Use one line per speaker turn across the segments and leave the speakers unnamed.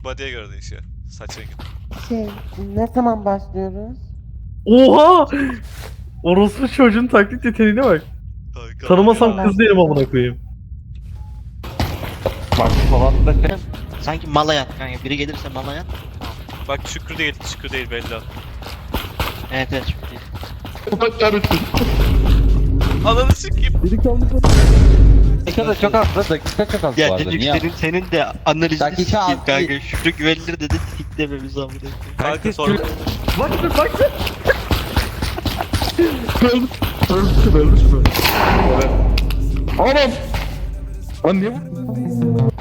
Body'ye göre değişiyor. Saç rengi.
Ne zaman başlıyoruz?
Oha! Orospu çocuğun taklit yeteneğine bak.
Kanka
Tanımasam
ya.
kız değilim amına koyayım.
Bak falan da
Sanki mala yat kanka. Biri gelirse mala yat.
Bak Şükrü değil, Şükrü değil belli o.
Evet evet çok değil.
Ananı sikeyim.
dakika da çok az, dakika çok az bu
Ya
arada.
çocuk
Niye?
senin de analizini
Dakika
sikeyim
az
kanka.
değil.
Şurada güvenilir dedi siklememiz amına koyayım.
Kanka sonra
Bak. Ölmüşsün. Anam! Lan niye bu?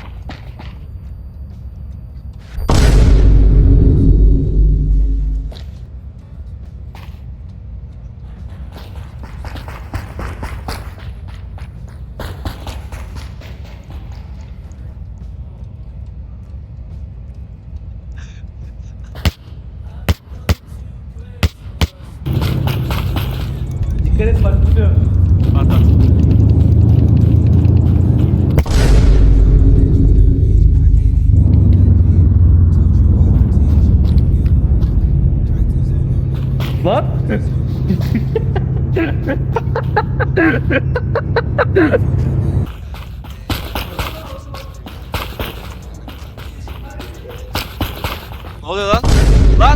Dikkat et bak tutuyor.
at at.
Lan!
Ne oluyor lan? Lan!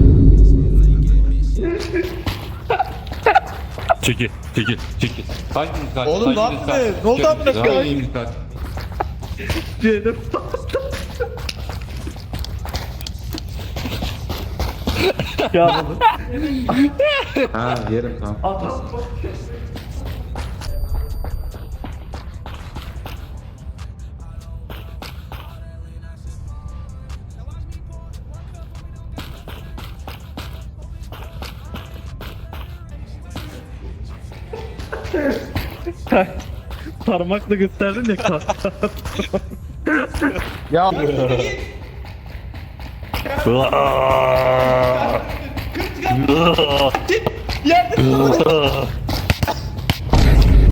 Çekil. Hanginiz kaç?
Oğlum ne yaptın? Ne oldu amına koyayım?
Hanginiz kaç?
Cehennem. Ya
Ha yerim tamam.
parmakla gösterdin ya
Ya